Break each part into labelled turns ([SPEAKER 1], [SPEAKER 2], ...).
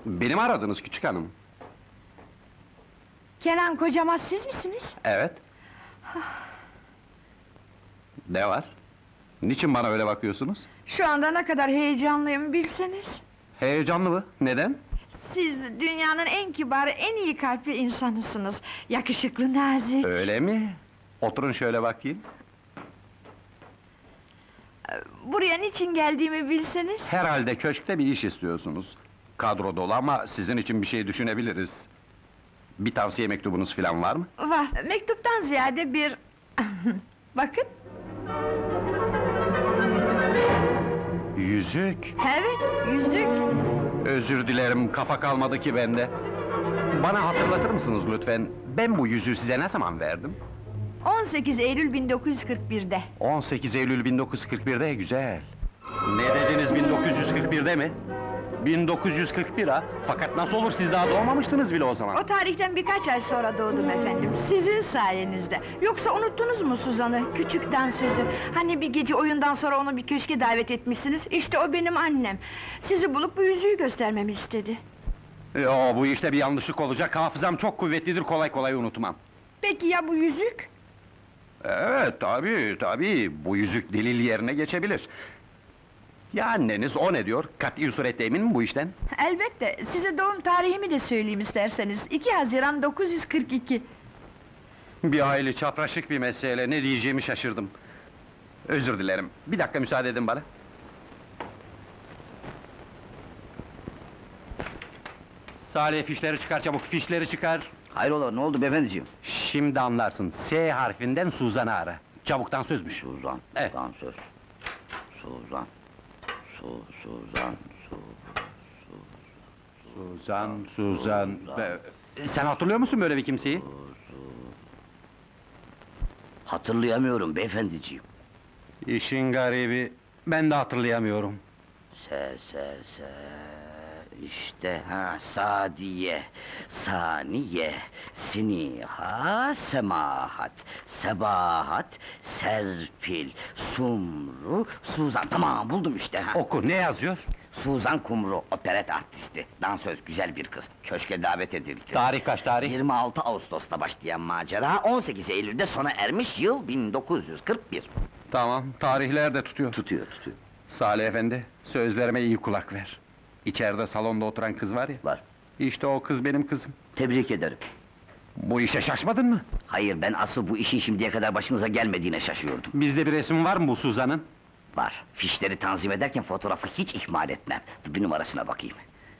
[SPEAKER 1] Beni mi aradınız küçük hanım?
[SPEAKER 2] Kenan Kocamaz siz misiniz?
[SPEAKER 1] Evet. Ne var? Niçin bana öyle bakıyorsunuz?
[SPEAKER 2] Şu anda ne kadar heyecanlıyım bilseniz.
[SPEAKER 1] Heyecanlı mı? Neden?
[SPEAKER 2] Siz dünyanın en kibar, en iyi kalpli insanısınız. Yakışıklı, nazik.
[SPEAKER 1] Öyle mi? Oturun şöyle bakayım.
[SPEAKER 2] Buraya niçin geldiğimi bilseniz.
[SPEAKER 1] Herhalde köşkte bir iş istiyorsunuz. Kadro dolu ama sizin için bir şey düşünebiliriz. Bir tavsiye mektubunuz falan var mı?
[SPEAKER 2] Var, mektuptan ziyade bir... Bakın,
[SPEAKER 1] Yüzük!
[SPEAKER 2] evet, yüzük.
[SPEAKER 1] Özür dilerim, kafa kalmadı ki bende. Bana hatırlatır mısınız lütfen? Ben bu yüzüğü size ne zaman verdim?
[SPEAKER 2] 18 Eylül 1941'de.
[SPEAKER 1] 18 Eylül 1941'de, güzel. Ne dediniz 1941'de mi? 1941 ha? Fakat nasıl olur, siz daha doğmamıştınız bile o zaman.
[SPEAKER 2] O tarihten birkaç ay sonra doğdum efendim, sizin sayenizde. Yoksa unuttunuz mu Suzan'ı, küçük dansözü? Hani bir gece oyundan sonra onu bir köşke davet etmişsiniz, işte o benim annem. Sizi bulup bu yüzüğü göstermemi istedi.
[SPEAKER 1] Yo, bu işte bir yanlışlık olacak, hafızam çok kuvvetlidir, kolay kolay unutmam.
[SPEAKER 2] Peki ya bu yüzük?
[SPEAKER 1] Evet, tabii, bu yüzük delil yerine geçebilir. Ya anneniz, o ne diyor? Kat'i surette emin mi bu işten?
[SPEAKER 2] Elbette, size doğum tarihimi de söyleyeyim isterseniz. 2 Haziran 942.
[SPEAKER 1] Bir hayli çapraşık bir mesele, ne diyeceğimi şaşırdım. Özür dilerim, bir dakika müsaade edin bana. Salih, fişleri çıkar çabuk, fişleri çıkar!
[SPEAKER 3] Hayrola, ne oldu beyefendiciğim?
[SPEAKER 1] Şimdi anlarsın, S harfinden Suzan'ı ara. Çabuktan sözmüş.
[SPEAKER 3] Suzan,
[SPEAKER 1] Evet.
[SPEAKER 3] dansöz. Suzan. Suzan.
[SPEAKER 1] Suzan... Sen hatırlıyor musun böyle bir kimseyi?
[SPEAKER 3] Hatırlayamıyorum beyefendiciğim.
[SPEAKER 1] İşin garibi, ben de hatırlayamıyorum.
[SPEAKER 3] Se. İşte Sadiye, Saniye, Siniha, Semahat, Sebahat, Serpil, Sumru, Suzan. Tamam, buldum işte ha.
[SPEAKER 1] Oku, ne yazıyor?
[SPEAKER 3] Suzan Kumru, operet artisti, dansöz, güzel bir kız. Köşke davet edildi.
[SPEAKER 1] Tarih kaç tarih?
[SPEAKER 3] 26 Ağustos'ta başlayan macera, 18 Eylül'de sona ermiş, yıl 1941.
[SPEAKER 1] Tamam, tarihler de tutuyor.
[SPEAKER 3] Tutuyor.
[SPEAKER 1] Salih efendi, sözlerime iyi kulak ver. İçeride salonda oturan kız var ya,
[SPEAKER 3] Var.
[SPEAKER 1] işte o kız benim kızım.
[SPEAKER 3] Tebrik ederim.
[SPEAKER 1] Bu işe şaşmadın mı?
[SPEAKER 3] Hayır, ben asıl bu işin şimdiye kadar başınıza gelmediğine şaşıyordum.
[SPEAKER 1] Bizde bir resim var mı bu Suzan'ın?
[SPEAKER 3] Var, fişleri tanzim ederken fotoğrafı hiç ihmal etmem. Dur, bir numarasına bakayım.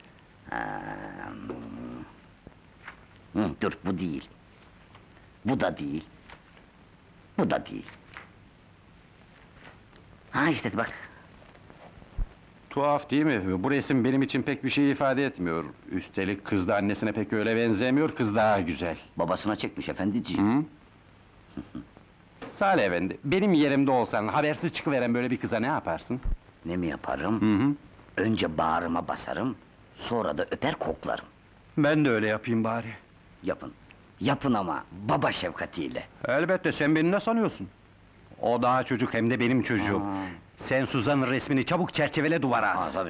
[SPEAKER 3] Dur, bu değil. Bu da değil. Bu da değil. Ha işte bak.
[SPEAKER 1] Tuhaf değil mi? Bu resim benim için pek bir şey ifade etmiyor. Üstelik kız da annesine pek öyle benzemiyor, kız daha güzel.
[SPEAKER 3] Babasına çekmiş efendiciğim.
[SPEAKER 1] Hı? Salih efendi, benim yerimde olsan, habersiz çıkıveren böyle bir kıza ne yaparsın?
[SPEAKER 3] Ne mi yaparım?
[SPEAKER 1] Hı.
[SPEAKER 3] Önce bağrıma basarım, sonra da öper koklarım.
[SPEAKER 1] Ben de öyle yapayım bari.
[SPEAKER 3] Yapın. Yapın ama baba şefkatiyle.
[SPEAKER 1] Elbette, sen beni ne sanıyorsun? O daha çocuk, hem de benim çocuğum.
[SPEAKER 3] Aa.
[SPEAKER 1] Sen Suzan'ın resmini çabuk çerçevele duvara as.
[SPEAKER 3] Tabii.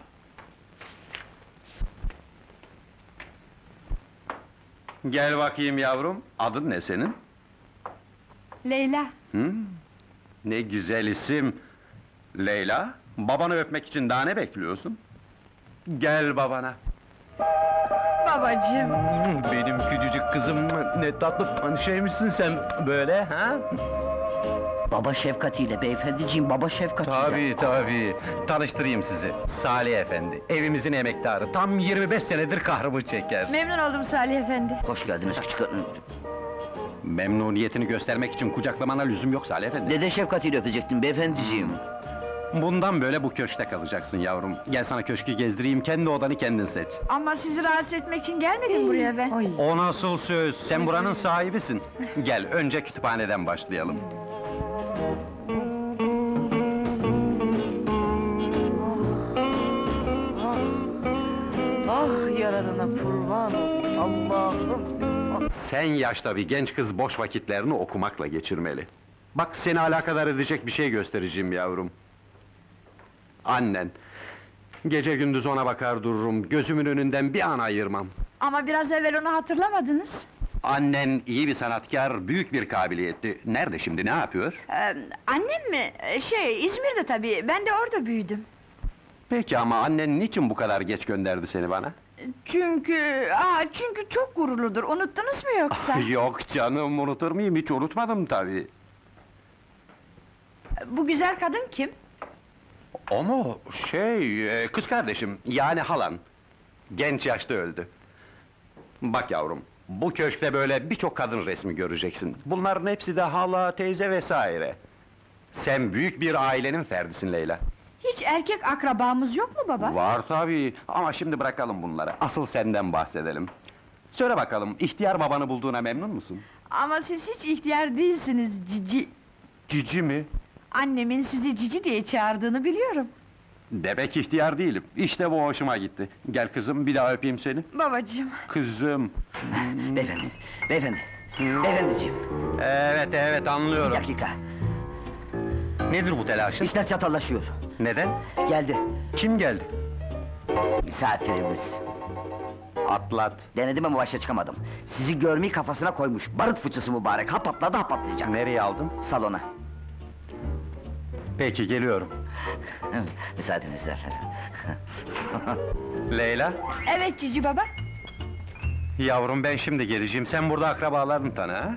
[SPEAKER 1] Gel bakayım yavrum, adın ne senin?
[SPEAKER 2] Leyla.
[SPEAKER 1] Ne güzel isim! Leyla, babanı öpmek için daha ne bekliyorsun? Gel babana!
[SPEAKER 2] Babacığım.
[SPEAKER 1] Benim küçücük kızım, ne tatlı şeymişsin sen böyle, ha?
[SPEAKER 3] Baba şefkatiyle beyefendiciğim, baba şefkatiyle.
[SPEAKER 1] Tabii, tanıştırayım sizi. Salih efendi, evimizin emektarı, tam 25 senedir kahrımı çeker.
[SPEAKER 2] Memnun oldum Salih efendi.
[SPEAKER 3] Hoş geldiniz küçük hanım.
[SPEAKER 1] Memnuniyetini göstermek için kucaklamana lüzum yok Salih efendi.
[SPEAKER 3] Dede şefkatiyle öpecektim beyefendiciğim.
[SPEAKER 1] Bundan böyle bu köşkte kalacaksın yavrum. Gel sana köşkü gezdireyim, kendi odanı kendin seç.
[SPEAKER 2] Ama sizi rahatsız etmek için gelmedim buraya ben.
[SPEAKER 1] O nasıl söz? Sen buranın sahibisin. Gel, önce kütüphaneden başlayalım.
[SPEAKER 4] Ah yaradana kurban olayım Allah'ım!
[SPEAKER 1] Sen yaşta bir genç kız boş vakitlerini okumakla geçirmeli. Bak, seni alakadar edecek bir şey göstereceğim yavrum. Annen, Gece gündüz ona bakar dururum, gözümün önünden bir an ayırmam.
[SPEAKER 2] Ama biraz evvel onu hatırlamadınız.
[SPEAKER 1] Annen iyi bir sanatkar, büyük bir kabiliyetli. Nerede şimdi, ne yapıyor?
[SPEAKER 2] Annem mi? İzmir'de tabii, ben de orada büyüdüm.
[SPEAKER 1] Peki ama annen niçin bu kadar geç gönderdi seni bana?
[SPEAKER 2] Çünkü çok gururludur, unuttunuz mu yoksa?
[SPEAKER 1] Yok canım, unutur muyum? Hiç unutmadım tabii.
[SPEAKER 2] Bu güzel kadın kim?
[SPEAKER 1] O mu? Kız kardeşim, yani halan. Genç yaşta öldü. Bak yavrum, bu köşkte böyle birçok kadın resmi göreceksin. Bunların hepsi de hala, teyze vesaire. Sen büyük bir ailenin ferdisin Leyla.
[SPEAKER 2] Hiç erkek akrabamız yok mu baba?
[SPEAKER 1] Var tabii, ama şimdi bırakalım bunları. Asıl senden bahsedelim. Söyle bakalım, ihtiyar babanı bulduğuna memnun musun?
[SPEAKER 2] Ama siz hiç ihtiyar değilsiniz cici.
[SPEAKER 1] Cici mi?
[SPEAKER 2] Annemin sizi cici diye çağırdığını biliyorum.
[SPEAKER 1] Demek ihtiyar değilim. İşte bu hoşuma gitti. Gel kızım, bir daha öpeyim seni.
[SPEAKER 2] Babacığım.
[SPEAKER 1] Kızım.
[SPEAKER 3] Beyefendi, beyefendi, beyefendiciğim,
[SPEAKER 1] Evet,
[SPEAKER 3] bir
[SPEAKER 1] anlıyorum.
[SPEAKER 3] dakika.
[SPEAKER 1] Nedir bu telaşın?
[SPEAKER 3] İşler çatallaşıyor.
[SPEAKER 1] Neden?
[SPEAKER 3] Geldi,
[SPEAKER 1] Kim geldi?
[SPEAKER 3] misafirimiz.
[SPEAKER 1] Atlat.
[SPEAKER 3] Denedim ama başa çıkamadım. Sizi görmeyi kafasına koymuş, barut fıçısı mübarek, ha patladı ha patlayacak.
[SPEAKER 1] Nereye aldın?
[SPEAKER 3] Salona.
[SPEAKER 1] Peki, geliyorum.
[SPEAKER 3] Müsaadenizle efendim.
[SPEAKER 1] Leyla,
[SPEAKER 2] Evet cici baba.
[SPEAKER 1] yavrum ben şimdi geleceğim. Sen burada akrabalarını tanı ha?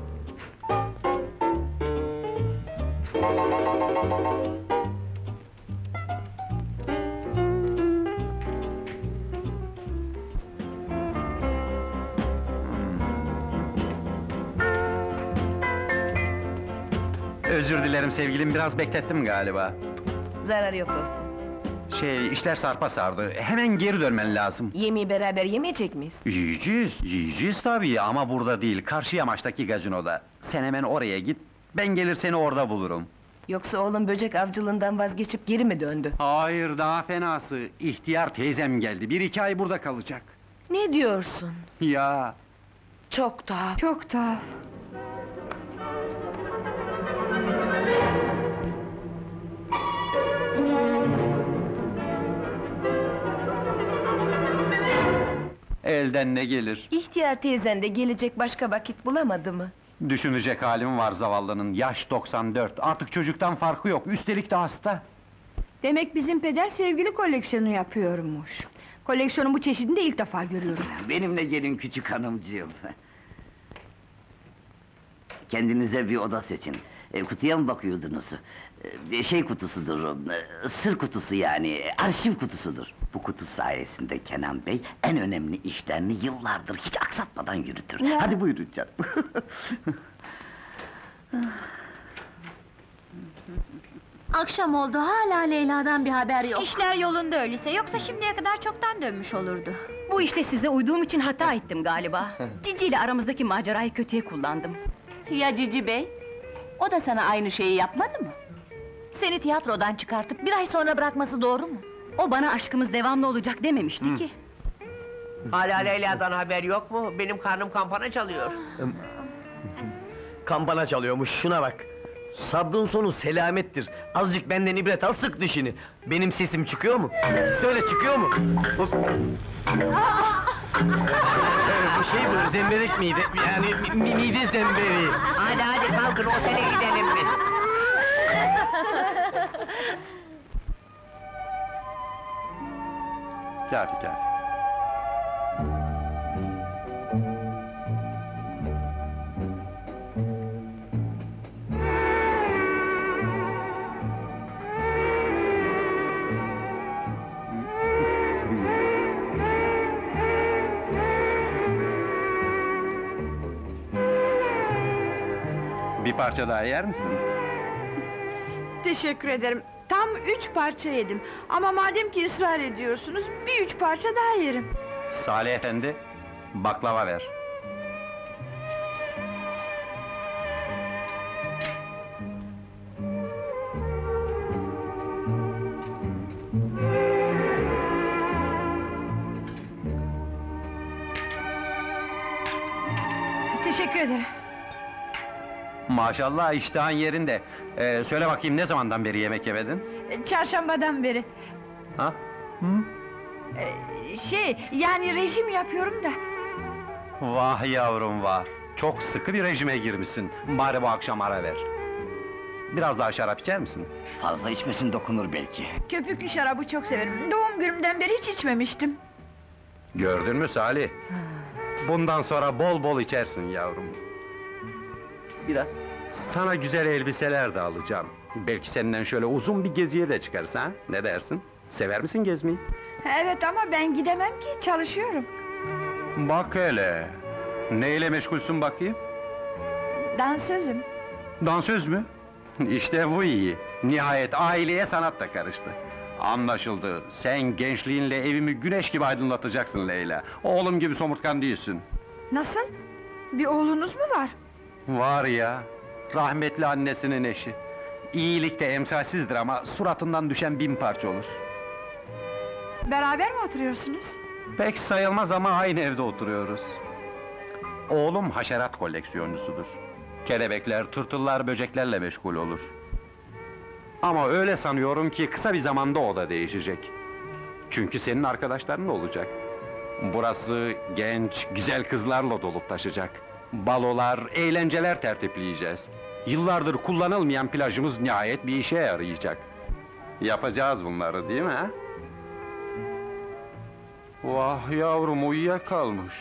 [SPEAKER 1] Özür dilerim sevgilim, biraz beklettim galiba.
[SPEAKER 5] Zararı yok dostum.
[SPEAKER 1] İşler sarpa sardı. Hemen geri dönmen lazım.
[SPEAKER 5] Yemeği beraber yemeyecek miyiz?
[SPEAKER 1] Yiyeceğiz tabii ama burada değil, karşı yamaçtaki gazinoda. Sen hemen oraya git, ben gelir seni orada bulurum.
[SPEAKER 5] Yoksa oğlum böcek avcılığından vazgeçip geri mi döndü?
[SPEAKER 1] Hayır, daha fenası. İhtiyar teyzem geldi, 1-2 ay burada kalacak.
[SPEAKER 5] Ne diyorsun?
[SPEAKER 1] Ya,
[SPEAKER 5] Çok tuhaf.
[SPEAKER 2] Çok tuhaf.
[SPEAKER 1] elden ne gelir?
[SPEAKER 5] İhtiyar teyzen de gelecek başka vakit bulamadı mı?
[SPEAKER 1] Düşünecek halim var zavallının, yaş 94, artık çocuktan farkı yok, üstelik de hasta.
[SPEAKER 2] Demek bizim peder sevgili koleksiyonu yapıyormuş. Koleksiyonun bu çeşidini de ilk defa görüyorum.
[SPEAKER 3] Benimle gelin küçük hanımcığım. Kendinize bir oda seçin. Kutuya mı bakıyordunuz? Şey kutusudur, sır kutusu yani, arşiv kutusudur. Bu kutu sayesinde Kenan Bey en önemli işlerini yıllardır hiç aksatmadan yürütür.
[SPEAKER 2] Ya.
[SPEAKER 3] Hadi buyurun canım.
[SPEAKER 6] Akşam oldu, hala Leyla'dan bir haber yok.
[SPEAKER 7] İşler yolunda öyleyse, yoksa şimdiye kadar çoktan dönmüş olurdu.
[SPEAKER 6] Bu işte size uyduğum için hata ettim galiba. Cici ile aramızdaki macerayı kötüye kullandım. Ya Cici Bey? O da sana aynı şeyi yapmadı mı? Seni tiyatrodan çıkartıp bir ay sonra bırakması doğru mu? O bana aşkımız devamlı olacak dememişti ki.
[SPEAKER 4] Hala Leyla'dan haber yok mu? Benim karnım kampana çalıyor.
[SPEAKER 8] Kampana çalıyormuş, şuna bak! Sabrın sonu selamettir. Azıcık benden ibret al, sık dişini. Benim sesim çıkıyor mu? Söyle, çıkıyor mu? Bu şey bu, zemberek miydi? Yani mide zemberiği.
[SPEAKER 4] Hadi kalkın, otele gidelim biz.
[SPEAKER 1] Kafi. Bir parça daha yer misin?
[SPEAKER 2] Teşekkür ederim. Tam 3 parça yedim. Ama madem ki ısrar ediyorsunuz, bir 3 parça daha yerim.
[SPEAKER 1] Salih efendi, baklava ver.
[SPEAKER 2] Teşekkür ederim.
[SPEAKER 1] Maşallah, iştahın yerinde. Söyle bakayım, ne zamandan beri yemek yemedin?
[SPEAKER 2] Çarşambadan beri.
[SPEAKER 1] Ha?
[SPEAKER 2] Yani rejim yapıyorum da.
[SPEAKER 1] Vah yavrum vah! Çok sıkı bir rejime girmişsin. Bari bu akşam ara ver. Biraz daha şarap içer misin?
[SPEAKER 3] Fazla içmesin dokunur belki.
[SPEAKER 2] Köpüklü şarabı çok severim. Doğum günümden beri hiç içmemiştim.
[SPEAKER 1] Gördün mü Salih? Bundan sonra bol bol içersin yavrum.
[SPEAKER 8] Biraz.
[SPEAKER 1] Sana güzel elbiseler de alacağım. Belki senden şöyle uzun bir geziye de çıkarız ha? Ne dersin? Sever misin gezmeyi?
[SPEAKER 2] Evet ama ben gidemem ki, çalışıyorum.
[SPEAKER 1] Bak hele! Neyle meşgulsün bakayım?
[SPEAKER 2] Dansözüm.
[SPEAKER 1] Dansöz mü? İşte bu iyi! Nihayet aileye sanat da karıştı. Anlaşıldı, sen gençliğinle evimi güneş gibi aydınlatacaksın Leyla. Oğlum gibi somurtkan değilsin.
[SPEAKER 2] Nasıl? Bir oğlunuz mu var?
[SPEAKER 1] Var ya, rahmetli annesinin eşi. İyilikte emsalsizdir ama suratından düşen 1000 parça olur.
[SPEAKER 2] Beraber mi oturuyorsunuz?
[SPEAKER 1] Pek sayılmaz ama aynı evde oturuyoruz. Oğlum haşerat koleksiyoncusudur. Kelebekler, tırtıllar, böceklerle meşgul olur. Ama öyle sanıyorum ki kısa bir zamanda o da değişecek. Çünkü senin arkadaşların olacak. Burası genç, güzel kızlarla dolup taşacak. Balolar, eğlenceler tertipleyeceğiz. Yıllardır kullanılmayan plajımız nihayet bir işe yarayacak. Yapacağız bunları değil mi ha? Vah yavrum uyuyakalmış.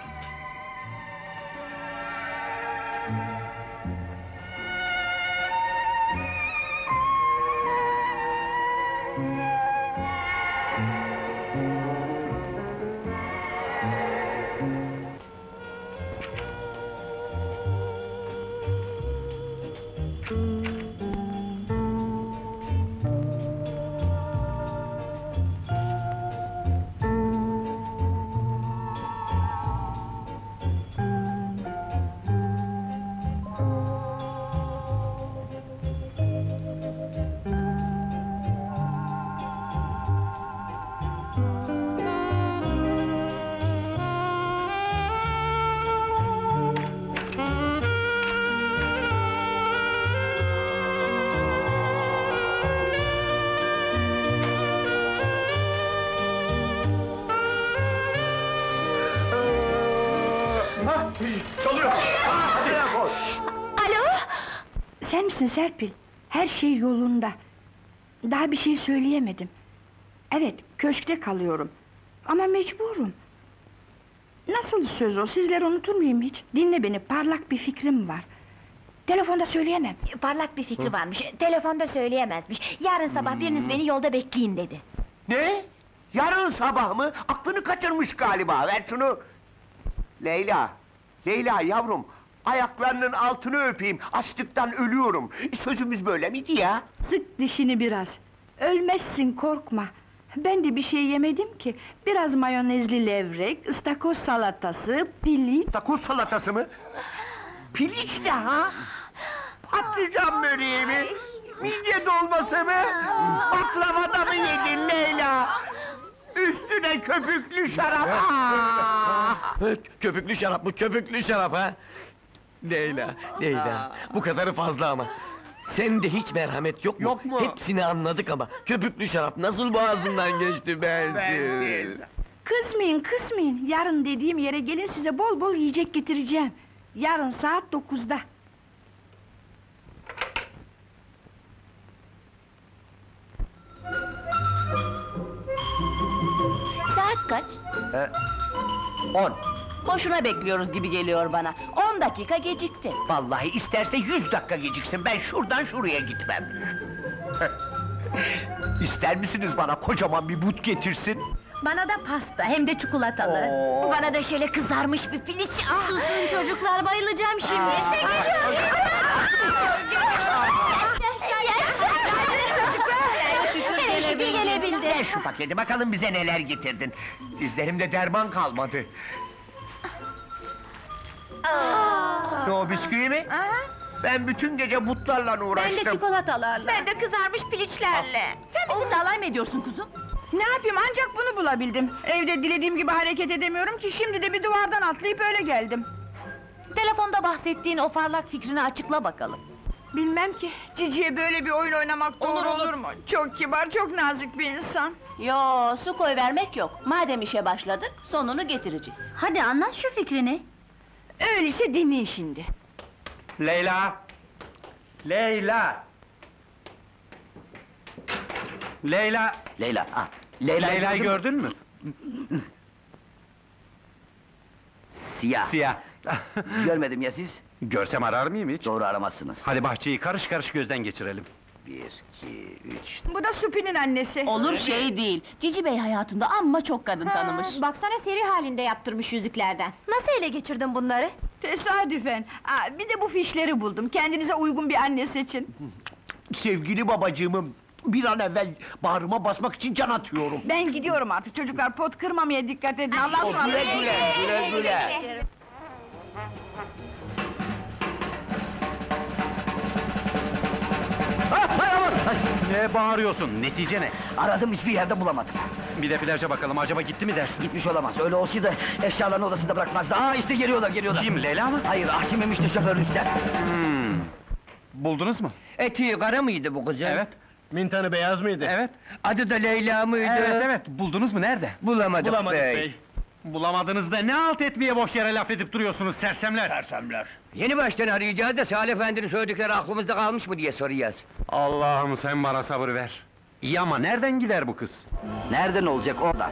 [SPEAKER 2] Alo! Sen misin Serpil? Her şey yolunda. Daha bir şey söyleyemedim. Evet, köşkte kalıyorum. Ama mecburum. Nasıl söz o, sizleri unutur muyum hiç? Dinle beni, parlak bir fikrim var. Telefonda söyleyemem.
[SPEAKER 7] Parlak bir fikri varmış, telefonda söyleyemezmiş. Yarın sabah biriniz beni yolda bekleyin dedi.
[SPEAKER 4] Ne? Yarın sabah mı? Aklını kaçırmış galiba, ver şunu! Leyla, Leyla yavrum, ayaklarının altını öpeyim, açlıktan ölüyorum. Sözümüz böyle miydi ya?
[SPEAKER 2] Sık dişini biraz. Ölmezsin, korkma. Ben de bir şey yemedim ki. Biraz mayonezli levrek, ıstakoz salatası, piliç...
[SPEAKER 4] Takoz salatası mı? Piliç de ha? Patlıcan böreği mi? Midye dolması mı? Baklava da mı yedin Leyla? Üstüne köpüklü şarap!
[SPEAKER 8] Köpüklü şarap mı? Köpüklü şarap ha? Leyla, Leyla, bu kadarı fazla ama. Sende hiç merhamet yok mu?
[SPEAKER 4] Yok mu?
[SPEAKER 8] Hepsini anladık ama köpüklü şarap nasıl boğazından geçti bensiz?
[SPEAKER 2] Kızmayın, kızmayın. Yarın dediğim yere gelin, size bol bol yiyecek getireceğim. Yarın saat 9'da.
[SPEAKER 6] Saat kaç?
[SPEAKER 4] 10.
[SPEAKER 6] Boşuna bekliyoruz gibi geliyor bana. 10 dakika gecikti.
[SPEAKER 4] Vallahi isterse 100 dakika geciksin, ben şuradan şuraya gitmem. İster misiniz bana kocaman bir but getirsin?
[SPEAKER 6] Bana da pasta, hem de çikolatalı.
[SPEAKER 4] Oo.
[SPEAKER 7] Bana da şöyle kızarmış bir piliç. Ah! Susun çocuklar, bayılacağım şimdi. İşte geliyor! Şükür gelebildi.
[SPEAKER 4] Ver şu paketi, bakalım bize neler getirdin. Dizlerimde derman kalmadı. Ne o, bisküvi mi? Ben bütün gece butlarla uğraştım.
[SPEAKER 6] çikolatalarla.
[SPEAKER 7] Ben de kızarmış piliçlerle.
[SPEAKER 6] Sen bizimle alay mı ediyorsun kuzum?
[SPEAKER 2] Ne yapayım, ancak bunu bulabildim. Evde dilediğim gibi hareket edemiyorum ki, şimdi de bir duvardan atlayıp öyle geldim.
[SPEAKER 6] Telefonda bahsettiğin o parlak fikrini açıkla bakalım.
[SPEAKER 2] Bilmem ki, Cici'ye böyle bir oyun oynamak doğru olur mu? Çok kibar, çok nazik bir insan.
[SPEAKER 6] Yo, su koy vermek yok. Madem işe başladık, sonunu getireceğiz.
[SPEAKER 7] Hadi anlat şu fikrini.
[SPEAKER 2] Öyleyse dinleyin şimdi.
[SPEAKER 1] Leyla! Leyla! Leyla!
[SPEAKER 3] Leyla, ah,
[SPEAKER 1] Leyla'yı
[SPEAKER 3] gördün mü?
[SPEAKER 1] gördün mü?
[SPEAKER 3] Siyah.
[SPEAKER 1] Siyah.
[SPEAKER 3] Görmedim ya siz?
[SPEAKER 1] Görsem arar mıyım hiç?
[SPEAKER 3] Doğru aramazsınız.
[SPEAKER 1] Hadi bahçeyi karış karış gözden geçirelim.
[SPEAKER 3] 1, 2, 3...
[SPEAKER 2] Bu da Supi'nin annesi.
[SPEAKER 6] Olur şey değil. Cici Bey hayatında amma çok kadın tanımış.
[SPEAKER 7] Baksana seri halinde yaptırmış yüzüklerden. Nasıl ele geçirdin bunları?
[SPEAKER 2] Tesadüfen. Bir de bu fişleri buldum. Kendinize uygun bir anne seçin.
[SPEAKER 4] Sevgili babacığımı bir an evvel bağrıma basmak için can atıyorum.
[SPEAKER 2] Ben gidiyorum artık çocuklar, pot kırmamaya dikkat edin. Allah'a ısmarladık.
[SPEAKER 4] Güle güle.
[SPEAKER 1] Ne bağırıyorsun? Netice ne?
[SPEAKER 3] Aradım, hiçbir yerde bulamadım.
[SPEAKER 1] Bir de plaja bakalım, acaba gitti mi dersin?
[SPEAKER 3] Gitmiş olamaz, öyle olsaydı eşyalarını odasında bırakmazdı. Aa işte geliyorlar.
[SPEAKER 1] Kim, Leyla mı?
[SPEAKER 3] Hayır, Hakim Emiş'ti şoför Rüstem.
[SPEAKER 1] Buldunuz mu?
[SPEAKER 4] Eti kara mıydı bu kızım?
[SPEAKER 1] Evet.
[SPEAKER 8] Mintanı beyaz mıydı?
[SPEAKER 1] Evet.
[SPEAKER 4] Adı da Leyla mıydı?
[SPEAKER 1] Evet, buldunuz mu, nerede?
[SPEAKER 4] Bulamadık,
[SPEAKER 1] Bulamadınız da ne alt etmeye boş yere laf edip duruyorsunuz sersemler?
[SPEAKER 4] Sersemler. Yeni baştan arayacağız da Salih Efendi'nin söyledikleri aklımızda kalmış mı diye soracağız.
[SPEAKER 1] Allah'ım sen bana sabır ver. İyi ama nereden gider bu kız?
[SPEAKER 3] Nereden olacak oradan?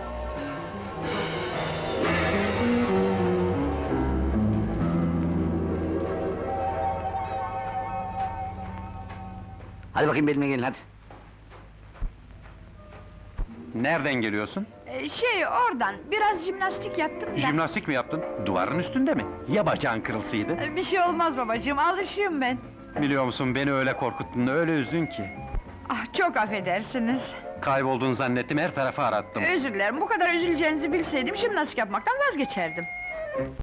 [SPEAKER 3] Hadi bakayım benimle gelin hadi.
[SPEAKER 1] Nereden geliyorsun?
[SPEAKER 2] Oradan, biraz jimnastik yaptım da.
[SPEAKER 1] Jimnastik mi yaptın? Duvarın üstünde mi? Ya bacağın kırılsaydı?
[SPEAKER 2] Bir şey olmaz babacığım, alışığım ben.
[SPEAKER 1] Biliyor musun, beni öyle korkuttun, öyle üzdün ki.
[SPEAKER 2] Çok affedersiniz.
[SPEAKER 1] Kaybolduğunu zannettim, her tarafı arattım.
[SPEAKER 2] Özür dilerim, bu kadar üzüleceğinizi bilseydim jimnastik yapmaktan vazgeçerdim.